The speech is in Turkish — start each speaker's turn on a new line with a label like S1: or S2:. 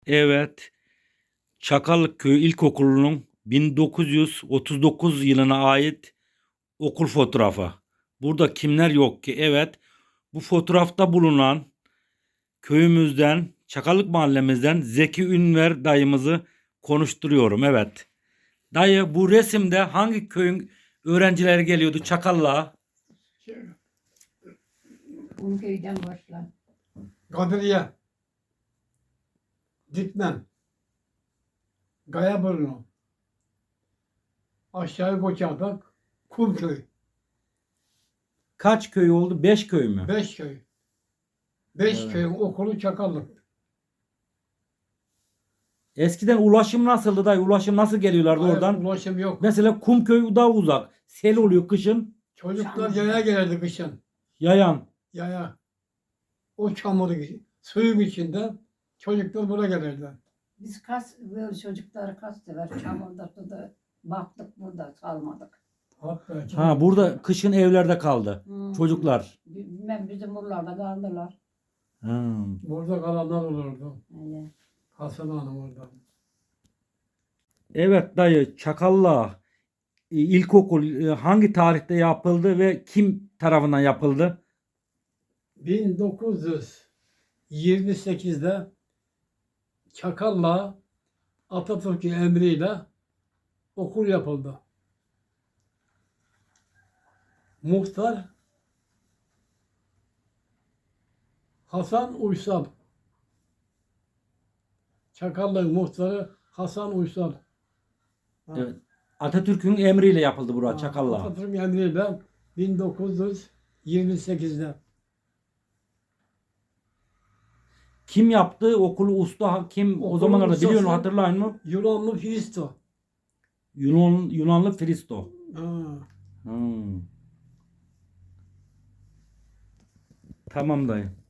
S1: Evet, Çakallık Köyü İlkokulu'nun 1939 yılına ait okul fotoğrafı. Burada kimler yok ki? Evet, bu fotoğrafta bulunan köyümüzden, Çakallık mahallemizden Zeki Ünver dayımızı konuşturuyorum. Evet. Dayı, bu resimde hangi köyün öğrencileri geliyordu Çakallığa?
S2: Kumköy'den başla.
S3: Kadriye, Dikmen, Gayaburnu, aşağı Koçadak, Kumköy,
S1: Kaç köy oldu? 5 köy mü?
S3: 5 köy. 5
S1: Evet.
S3: köyün okulu Çakallık.
S1: Eskiden ulaşım nasıldı dayı? Ulaşım nasıl geliyorlardı
S3: Hayır,
S1: oradan?
S3: ulaşım yok.
S1: Mesela Kumköy daha uzak. Sel oluyor kışın.
S3: Çocuklar yaya gelirdi kışın.
S1: Yayan.
S3: Yaya. O çamur, suyun içinde çocuklar buraya gelirler.
S2: Biz böyle çocukları kas sever. Çamurda suda baktık burada salmadık.
S3: Hatta
S1: Ha, burada kışın evlerde kaldı. Çocuklar.
S2: Bilmem bizim buralarda kaldılar.
S1: Ha.
S3: burada kalanlar olurdu.
S2: Öyle.
S3: Hasan Hanım orada.
S1: Evet dayı, Çakalla ilkokul hangi tarihte yapıldı ve kim tarafından yapıldı?
S3: 1928'de Çakal'la Atatürk'ün emriyle okul yapıldı. Muhtar Hasan Uysal. Çakallı'nın muhtarı Hasan Uysal. Ha.
S1: Evet. Atatürk'ün emriyle yapıldı burası Çakalla.
S3: Atatürk'ün emriyle 1928'de.
S1: Kim yaptı okulu, usta kim o
S3: Okulun
S1: zamanlarda biliyor musun,
S3: ustası-
S1: hatırlayın mı?
S3: Yunanlı Filisto.
S1: Yunanlı Fristo.
S3: Ha.
S1: Hmm. Tamam dayı.